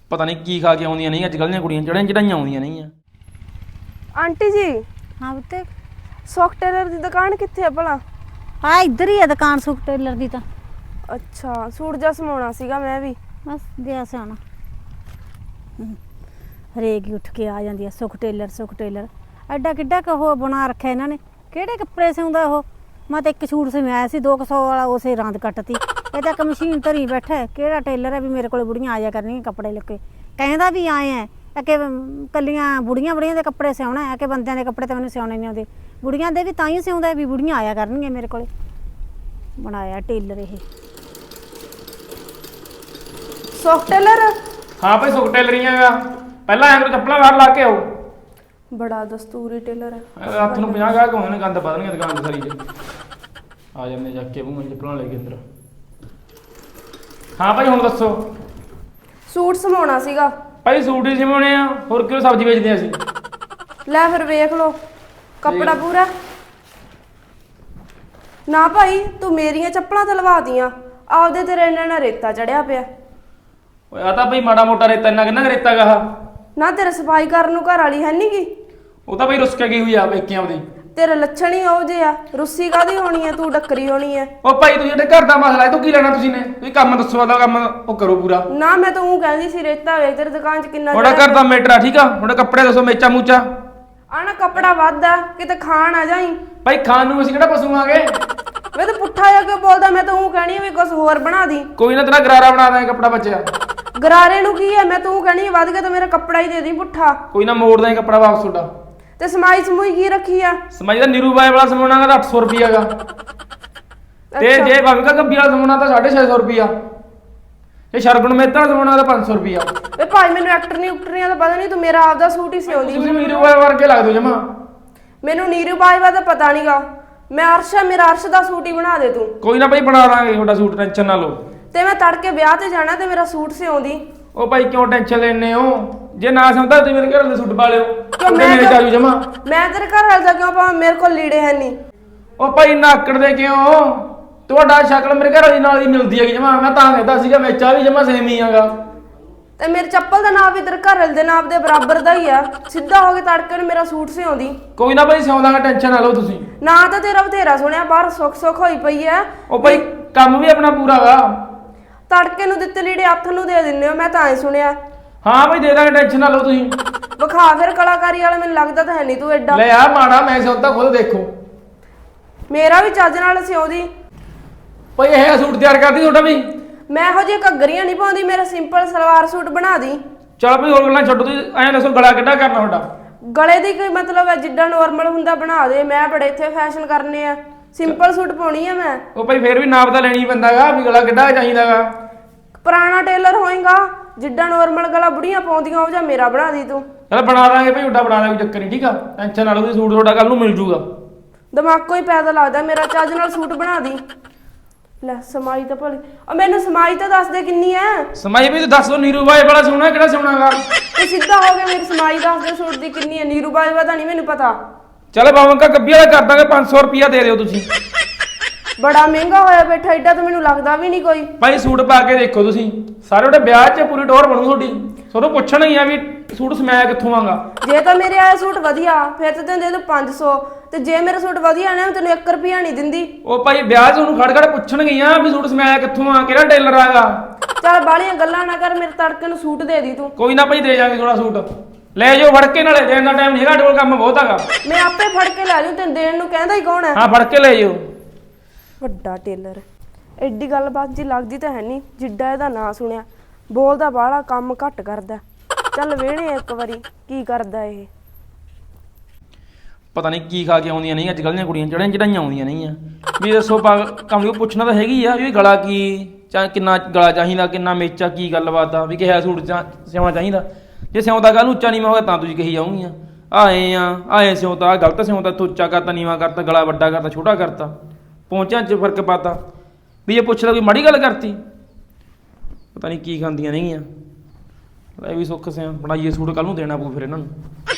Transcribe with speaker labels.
Speaker 1: ਪਤਾ ਨਹੀਂ ਕੀ ਖਾ ਕੇ ਆਉਂਦੀਆਂ ਨਹੀਂ ਅੱਜ ਕੱਲ੍ਹ ਦੀਆਂ ਕੁੜੀਆਂ ਚੜਾਈਆਂ ਆਉਂਦੀਆਂ ਨਹੀਂ ਆ।
Speaker 2: ਆਂਟੀ ਜੀ
Speaker 3: हाँ बेटे
Speaker 2: ਸੁਖ ਟੇਲਰ ਦੀ ਦੁਕਾਨ ਕਿੱਥੇ ਆ ਭਲਾ?
Speaker 3: हाँ इधर ही है दुकान सुख टेलर की तो
Speaker 2: ਅੱਛਾ ਸੂਟ ਜਿਹਾ ਸਮਾਉਣਾ ਸੀਗਾ ਮੈਂ ਵੀ।
Speaker 3: बस दिया से आना हरेक ही उठ के आ जाती है सुख टेलर एडा किड्डा क वो बना रखा इन्होंने किहड़े कपड़े सिउंदा वो। मैं तो एक सूट सिमाया सी 200 वाला उसे रांद कट्टती ये तो एक मशीन धरी बैठा है किहड़ा टेलर है भी मेरे को बुढ़ियाँ आ जा करनी कपड़े लेके कहता भी आए हैं कि कलियां बुढ़ियां बुढ़ियां के कपड़े सिउना है कि बंदियां के कपड़े तो मैंने सिउने नहीं आते बुढ़ियां दे भी तां ही सिउंदा भी बुढ़ियां आया करनी मेरे को बनाया टेलर ये।
Speaker 2: ਸੁਖ ਟੇਲਰ
Speaker 1: ਹਾਂ ਭਾਈ ਸੁਖ ਟੇਲਰੀਆਂ ਗਾ ਪਹਿਲਾਂ ਐਂ ਕਰੋ ਚੱਪਲਾਂ ਬਾਹਰ ਲਾ ਕੇ ਆਓ।
Speaker 2: ਬੜਾ ਦਸਤੂਰੀ ਟੇਲਰ ਹੈ।
Speaker 1: ਹੱਥ ਨੂੰ 50 ਗਾਹਕ ਹੋਣੇ ਨੇ ਗੰਦ ਪਾ ਦੇਣਗੇ ਦੁਕਾਨ ਦੀ ਸਾਰੀ ਚ ਆ ਜਾਂਦੇ ਜਾ ਕੇ ਮੂੰਹ ਚੱਪਲਾਂ ਲੈ ਕੇ ਅੰਦਰ। ਹਾਂ ਭਾਈ ਹੁਣ ਦੱਸੋ।
Speaker 2: ਸੂਟ ਸਮਾਉਣਾ ਸੀਗਾ।
Speaker 1: ਭਾਈ ਸੂਟ ਹੀ ਸਿਮਾਉਣੇ ਆ ਹੋਰ ਕਿਉਂ ਸਬਜ਼ੀ ਵੇਚਦੇ ਆ ਅਸੀਂ।
Speaker 2: ਲੈ ਫਿਰ ਵੇਖ ਲਓ ਕੱਪੜਾ ਪੂਰਾ। ਨਾ ਭਾਈ ਤੂੰ ਮੇਰੀਆਂ ਚੱਪਲਾਂ ਤੇ ਲਵਾ ਦੀਆਂ ਆਪਦੇ ਤੇਰੇ ਨਾਲ ਰੇਤਾ ਚੜਿਆ ਪਿਆ।
Speaker 1: ਓਏ ਆ ਤਾਂ ਭਾਈ ਮਾੜਾ ਮੋਟਾ ਰੇਤਾ ਇੰਨਾ ਕਿੰਨਾ ਰੇਤਾ ਗਾ ਆਹ।
Speaker 2: ਨਾ ਤੇਰੇ ਸਫਾਈ ਕਰਨ ਨੂੰ ਘਰ ਵਾਲੀ ਹੈ ਨੀ ਗੀ।
Speaker 1: ਉਹ ਤਾਂ ਭਾਈ ਰੁੱਸ ਕੇ ਗਈ ਹੋਈ ਆ ਵੇਖਿਆ ਉਹਦੀ।
Speaker 2: ਤੇਰੇ ਲੱਛਣ ਹੀ ਉਹ ਜੇ ਆ ਰੁੱਸੀ ਕਾਦੀ ਹੋਣੀ ਹੈ ਤੂੰ ਡੱਕਰੀ ਹੋਣੀ ਹੈ।
Speaker 1: ਉਹ ਭਾਈ ਤੂੰ ਜਿਹੜੇ ਘਰ ਦਾ ਮਸਲਾ ਹੈ ਤੂੰ ਕੀ ਲੈਣਾ ਤੁਸੀਂ ਨੇ ਤੁਸੀਂ ਕੰਮ ਦੱਸੋ ਆਦਾ ਕੰਮ ਉਹ ਕਰੋ ਪੂਰਾ।
Speaker 2: ਨਾ ਮੈਂ ਤਾਂ ਉਹ ਕਹਿੰਦੀ ਸੀ ਰੇਤਾ ਵੇਖ ਤੇਰੀ ਦੁਕਾਨ 'ਚ ਕਿੰਨਾ
Speaker 1: ਥੋੜਾ ਘਰ ਦਾ ਮੈਟਰ ਆ ਠੀਕ ਆ ਥੋੜੇ ਕੱਪੜੇ ਦੱਸੋ ਮੇਚਾ ਮੂਚਾ।
Speaker 2: ਆਣਾ ਕੱਪੜਾ ਵੱਧਦਾ ਕਿਤੇ ਖਾਣ ਆ ਜਾਈ।
Speaker 1: ਭਾਈ ਖਾਣ ਨੂੰ ਅਸੀਂ ਕਿਹੜਾ ਪਸ਼ੂ ਆਗੇ।
Speaker 2: ਵੇ ਤਾਂ ਪੁੱਠਾ ਜਾ ਕੇ ਬੋਲਦਾ ਮੈਂ ਤਾਂ ਉਹ ਕਹਿਣੀ ਵੀ ਕੁਝ ਹੋਰ ਬਣਾ ਦੀ।
Speaker 1: ਕੋਈ ਨਾ ਤੇਰਾ ਗਰਾਰਾ ਬਣਾ ਦਾਂਗੇ ਕੱਪੜਾ ਬਚਿਆ।
Speaker 2: ਗਰਾਰੇ ਨੂੰ ਕੀ ਹੈ ਮੈਂ ਤੂੰ ਕਹਿਣੀ ਵੱਧ ਗਿਆ ਤਾਂ ਮੇਰਾ ਕੱਪੜਾ ਹੀ ਦੇ ਦੀ ਪੁੱਠਾ।
Speaker 1: ਕੋਈ ਨਾ ਮੋੜ ਦਾਂਗੇ ਕੱਪੜਾ ਵਾਪਸ ਤੁਹਾਡਾ।
Speaker 2: ਤੇ ਸਮਾਈ ਸਮੂਈ ਕੀ ਰੱਖੀ ਆ?
Speaker 1: ਸਮਾਈ ਦਾ ਨੀਰੂ ਬਾਈ ਵਾਲਾ ਸਮਾਉਣਾ ਦਾ 800 ਰੁਪਿਆ ਗਾ ਤੇ ਜੇ ਭਾਵੇਂ ਗੱਬੀ ਵਾਲਾ ਸਮਾਉਣਾ ਤਾਂ 650 ਰੁਪਿਆ ਇਹ ਸ਼ਰਗੁਣ ਮਹਿਤਾ ਵਾਲਾ ਸਮਾਉਣਾ ਦਾ 500 ਰੁਪਿਆ।
Speaker 2: ਵੇ ਭਾਈ ਮੈਨੂੰ ਐਕਟਰ ਨਹੀਂ ਉਕਟਰੀਆਂ ਦਾ ਪਤਾ ਨਹੀਂ ਤੂੰ ਮੇਰਾ ਆਪਦਾ ਸੂਟ ਹੀ ਸਿਉਂਦੀ।
Speaker 1: ਤੁਸੀਂ ਨੀਰੂ ਬਾਈ ਵਰਗੇ ਲੱਗਦੇ ਹੋ ਜਮਾ।
Speaker 2: ਮੈਨੂੰ ਨੀਰੂ ਬਾਜਵਾ ਦਾ ਪਤਾ ਨਹੀਂਗਾ ਮੈਂ ਅਰਸ਼ ਮੇਰਾ ਅਰਸ਼ ਦਾ ਸੂਟ ਹੀ ਬਣਾ ਦੇ ਤੂੰ।
Speaker 1: ਕੋਈ ਨਾ ਭਾਈ ਬਣਾ ਦਾਂਗੇ ਤੁਹਾਡਾ ਸੂਟ ਟੈਨਸ਼ਨ ਨਾ ਲਓ।
Speaker 2: ਤੇ ਮੈਂ ਤੜਕੇ ਵਿਆਹ ਤੇ ਜਾਣਾ ਤੇ ਮੇਰਾ ਸੂਟ ਸਿਉਂਦੀ।
Speaker 1: ਉਹ ਭਾਈ ਕਿਉਂ ਟੈਨਸ਼ਨ ਲੈਣੇ ਹੋ ਜੇ ਨਾ ਸਮਝਦਾ ਤੁਸੀਂ ਮੇਰੇ ਘਰ ਦੇ ਸੂਟ ਪਾ ਲਿਓ
Speaker 2: ਕਿਉਂ
Speaker 1: ਮੇਰੇ ਚਾਜੂ ਜਮਾ।
Speaker 2: ਮੈਂ ਤੇਰੇ ਘਰ ਵਾਲ ਦਾ ਕਿਉਂ ਪਾਵਾਂ ਮੇਰੇ ਕੋਲ ਲੀੜੇ ਹੈ ਨਹੀਂ।
Speaker 1: ਉਹ ਭਾਈ ਨਾਕੜ ਦੇ ਕਿਉਂ ਤੁਹਾਡਾ ਸ਼ਕਲ ਮੇਰੇ ਘਰ ਵਾਲੀ ਨਾਲ ਹੀ ਮਿਲਦੀ ਹੈਗੀ ਜਮਾ ਮੈਂ ਤਾਂ ਕਹਿੰਦਾ ਸੀਗਾ ਮੇਚਾ ਵੀ ਜਮਾ ਸੇਮ ਹੀ ਹੈਗਾ।
Speaker 2: ਤੇ ਮੇਰੇ ਚੱਪਲ ਦਾ ਨਾਪ ਵੀ ਤੇਰੇ ਘਰ ਵਾਲੇ ਦੇ ਨਾਪ ਦੇ ਬਰਾਬਰ ਦਾ ਹੀ ਆ। ਸਿੱਧਾ ਹੋ ਕੇ ਤੜਕੇ ਨੂੰ ਮੇਰਾ ਸੂਟ ਸਿਉਂਦੀ।
Speaker 1: ਕੋਈ ਨਾ ਭਾਈ ਸਿਉਂਦਾਗਾ ਟੈਨਸ਼ਨ ਨਾ ਲਓ ਤੁਸੀਂ।
Speaker 2: ਨਾ ਤਾਂ ਤੇਰਾ ਬਥੇਰਾ ਸੁਣਿਆ ਬਾਹਰ ਸੁੱਖ ਹੋਈ ਪਈ ਐ।
Speaker 1: ਉਹ ਭਾਈ ਕੰਮ ਵੀ ਆਪਣਾ ਪੂਰਾ ਗਾ।
Speaker 2: ਤੜਕੇ ਨੂੰ ਦਿੱਤੇ ਲੀੜੇ ਹੱਥ ਨੂੰ ਦੇ ਦਿੰਦੇ ਹੋ ਮੈਂ ਤਾਂ ਐ ਸੁਣਿਆ।
Speaker 1: ਹਾਂ ਭਾਈ ਦੇ ਦਾਂਗੇ ਟੈਨਸ਼ਨ ਨਾ ਲਓ ਤੁਸੀਂ।
Speaker 2: ਵਿਖਾ ਫਿਰ ਕਲਾਕਾਰੀ ਵਾਲਾ ਮੈਨੂੰ ਲੱਗਦਾ ਤਾਂ ਹੈ ਨਹੀਂ ਤੂੰ ਐਡਾ।
Speaker 1: ਲੈ ਆ ਮਾੜਾ ਮੈਂ ਸਿਉਂਦਾ ਖੁਦ ਦੇਖੋ।
Speaker 2: ਮੇਰਾ ਵੀ ਚੱਜ ਨਾਲ ਸਿਉਂਦੀ।
Speaker 1: ਭਾਈ ਇਹ ਸੂਟ ਤਿਆਰ ਕਰਦੀ ਤੁਹਾਡਾ ਵੀ।
Speaker 2: ਮੈਂ ਇਹੋ ਜਿਹੇ ਘੱਗਰੀਆਂ ਨਹੀਂ ਪਾਉਂਦੀ ਮੇਰਾ ਸਿੰਪਲ ਸਲਵਾਰ ਸੂਟ ਬਣਾ ਦੀ।
Speaker 1: ਚਲ ਭਾਈ ਹੋਰ ਗੱਲਾਂ ਛੱਡੋ ਤੁਸੀਂ ਐਂ ਦੱਸੋ ਗਲਾ ਕਿੱਡਾ ਕਰਨਾ ਤੁਹਾਡਾ।
Speaker 2: ਗਲੇ ਦੀ ਕੋਈ ਮਤਲਬ ਹੈ ਜਿੱਦਾਂ ਨੋਰਮਲ ਹੁੰਦਾ ਬਣਾ ਦੇ। ਮੈਂ ਬੜੇ ਇੱਥੇ ਫੈਸ਼ਨ ਕਰਨੇ ਆ ਸਿੰਪਲ ਸੂਟ ਪਾਉਣੀ ਆ ਮੈਂ।
Speaker 1: ਉਹ ਭਾਈ ਫੇਰ ਵੀ ਨਾਪ ਤਾਂ ਲੈਣੀ ਪੈਂਦਾਗਾ ਵੀ ਗਲਾ ਕਿੱਡਾ ਚਾਹੀਦਾਗਾ।
Speaker 2: ਪੁਰਾਣਾ ਟੇਲਰ ਹੋਏਗਾ ਜਿੱਦਾਂ ਨੋਰਮਲ ਗਲਾ ਬੁੜੀਆਂ ਪਾਉਂਦੀਆਂ ਉਹ ਜਾਂ ਮੇਰਾ ਬਣਾ ਦੀ ਤੂੰ।
Speaker 1: ਚਲ ਬਣਾ ਦਾਂਗੇ ਭਾਈ ਉੱਡਾ ਬਣਾ ਦਾਂਗੇ ਚੱਕਰ ਨਹੀਂ ਠੀਕ ਆ ਟੈਨਸ਼ਨ ਨਾ ਲਓ ਤੁਸੀਂ ਸੂਟ ਤੁਹਾਡਾ ਕੱਲ ਨੂੰ ਮਿਲ ਜੂਗਾ।
Speaker 2: ਦਿਮਾਗੋਂ ਹੀ ਪੈਦਾ ਲੱਗਦਾ ਮੇਰਾ ਚੱਜ ਨਾਲ ਸੂਟ ਬਣਾ ਦੀ। ਲੈ ਸਮਾਈ ਤਾਂ ਭਲੀ ਮੈਨੂੰ ਸਮਾਈ ਤਾਂ ਦੱਸ ਦੇ ਕਿੰਨੀ ਐ।
Speaker 1: ਸਮਾਈ ਵੀ ਦੱਸ ਦੋ ਨੀਰੂ ਬਾਈ ਵਾਲਾ ਸੋਹਣਾ ਕਿਹੜਾ ਸੋਹਣਾਗਾ।
Speaker 2: ਤੇ ਸਿੱਧਾ ਹੋ ਗਿਆ ਮੇਰੀ ਸਮਾਈ ਦੱਸ ਦੇ ਸੂਟ ਦੀ ਕਿੰਨੀ ਐ। ਨੀਰੂ ਬਾਜਵਾ ਦਾ ਨਹੀਂ ਮੈਨੂੰ ਪਤਾ।
Speaker 1: ਚਲ ਬਾਵੰਕਾ ਗੱਬੀ ਵਾਲਾ ਕਰ ਦਾਂਗੇ 500 ਰੁਪਿਆ ਦੇ ਦਿਓ ਤੁਸੀਂ।
Speaker 2: ਬੜਾ ਮਹਿੰਗਾ ਹੋਇਆ ਬੈਠਾ ਏਡਾ ਤਾਂ ਮੈਨੂੰ ਲੱਗਦਾ ਵੀ ਨਹੀਂ ਕੋਈ।
Speaker 1: ਭਾਈ ਸੂਟ ਪਾ ਕੇ ਦੇਖੋ ਤੁਸੀਂ ਸਾਰੇ ਉਹਦੇ ਵਿਆਹ 'ਚ ਪੂਰੀ ਟੋਰ ਬਣੂ ਤੁਹਾਡੀ। ਤੁਹਾਨੂੰ ਪੁੱਛਣਾ ਹੀ ਆ ਵੀ ਸੂਟ ਸਮਾਇਆ ਕਿੱਥੋਂ ਆਗਾ।
Speaker 2: ਜੇ ਤਾਂ ਮੇਰੇ ਆਇਆ ਸੂਟ ਵਧੀਆ ਫਿਰ ਤਾਂ ਤੈਨੂੰ ਦੇ ਦੂੰ 500 ਤੇ ਜੇ ਮੇਰਾ ਸੂਟ ਵਧੀਆ ਨਾ ਤੈਨੂੰ 1 ਰੁਪਿਆ ਨਹੀਂ ਦਿੰਦੀ।
Speaker 1: ਉਹ ਭਾਈ ਵਿਆਹ 'ਚ ਉਹਨੂੰ ਖੜ ਪੁੱਛਣਗੇ ਆ ਵੀ ਸੂਟ ਸਮਾਇਆ ਕਿੱਥੋਂ ਆ ਕਿਹੜਾ ਟੇਲਰ ਆਗਾ।
Speaker 2: ਚੱਲ ਬਾਹਲੀਆਂ ਗੱਲਾਂ ਨਾ ਕਰ ਮੇਰੇ ਤੜਕੇ ਨੂੰ ਸੂਟ ਦੇ ਦੀ ਤੂੰ।
Speaker 1: ਕੋਈ ਨਾ ਭਾਈ ਦੇ ਜਾਵਾਂਗੇ ਥੋੜਾ ਸੂਟ ਲੈ ਜਾਓ ਫੜ ਕੇ ਨਾਲੇ ਦੇਣ ਦਾ ਟਾਈਮ ਨਹੀਂ ਹੈਗਾ ਸਾਡੇ ਕੋਲ ਕੰਮ ਬਹੁਤ ਹੈਗਾ।
Speaker 2: ਮੈਂ ਆਪੇ ਫੜ ਕੇ ਲੈ ਜੂ ਤੈਨੂੰ ਦੇਣ ਨੂੰ ਕਹਿੰਦਾ ਹੀ ਕੌਣ ਹੈ।
Speaker 1: ਹਾਂ ਫੜ ਕੇ ਲੈ ਜਾਓ।
Speaker 2: ਵੱਡਾ ਟੇਲਰ ਐਡੀ ਗੱਲਬਾਤ ਜੀ ਲੱਗਦੀ ਤਾਂ ਹੈ ਨਹੀਂ ਜਿੱਡਾ ਇਹਦਾ ਨਾਂ ਸੁਣਿਆ। ਬੋਲਦਾ ਬਾਹਲਾ ਕੰਮ ਘੱਟ ਕਰਦਾ। ਚੱਲ ਵੇਹਣੇ ਇੱਕ ਵਾਰੀ ਕੀ ਕਰਦਾ ਇਹ।
Speaker 1: ਪਤਾ ਨਹੀਂ ਕੀ ਖਾ ਕੇ ਆਉਂਦੀਆਂ ਨਹੀਂ ਅੱਜ ਕੱਲ੍ਹ ਦੀਆਂ ਕੁੜੀਆਂ ਚੜਾਈਆਂ ਆਉਂਦੀਆਂ ਨਹੀਂ ਆ ਵੀ ਦੱਸੋ ਕੰਮ ਨੂੰ ਪੁੱਛਣਾ ਤਾਂ ਹੈਗੀ ਆ ਵੀ ਗਲਾ ਕੀ ਚਾਹ ਕਿੰਨਾ ਗਲਾ ਚਾਹੀਦਾ ਕਿੰਨਾ ਮੇਚਾ ਕੀ ਗੱਲਬਾਤ ਆ ਵੀ ਕਿਹਾ ਸੂਟ ਸਿਉਣਾ ਚਾਹੀਦਾ। ਜੇ ਸਿਉਂਦਾ ਕੱਲ੍ਹ ਉੱਚਾ ਨੀਵਾਂ ਹੋਇਆ ਤਾਂ ਤੁਸੀਂ ਕਹੀ ਜਾਊਂਗੀਆਂ ਆਏ ਸਿਉਂਤਾ ਗਲਤ ਸਿਉਂਤਾ ਉੱਚਾ ਕਰਤਾ ਨੀਵਾਂ ਕਰਤਾ ਗਲਾ ਵੱਡਾ ਕਰਤਾ ਛੋਟਾ ਕਰਤਾ ਪਹੁੰਚਿਆਂ 'ਚ ਫਰਕ ਪਾਤਾ ਵੀ ਇਹ ਪੁੱਛਦਾ ਕੋਈ ਮਾੜੀ ਗੱਲ ਕਰਤੀ। ਪਤਾ ਨਹੀਂ ਕੀ ਖਾਂਦੀਆਂ ਨੇਗੀਆਂ। ਇਹ ਵੀ ਸੁੱਖ ਸਿਆਂ ਬਣਾਈਏ ਸੂਟ ਕੱਲ੍ਹ ਨੂੰ ਦੇਣਾ ਪਊ ਫਿਰ ਇਹਨਾਂ ਨੂੰ।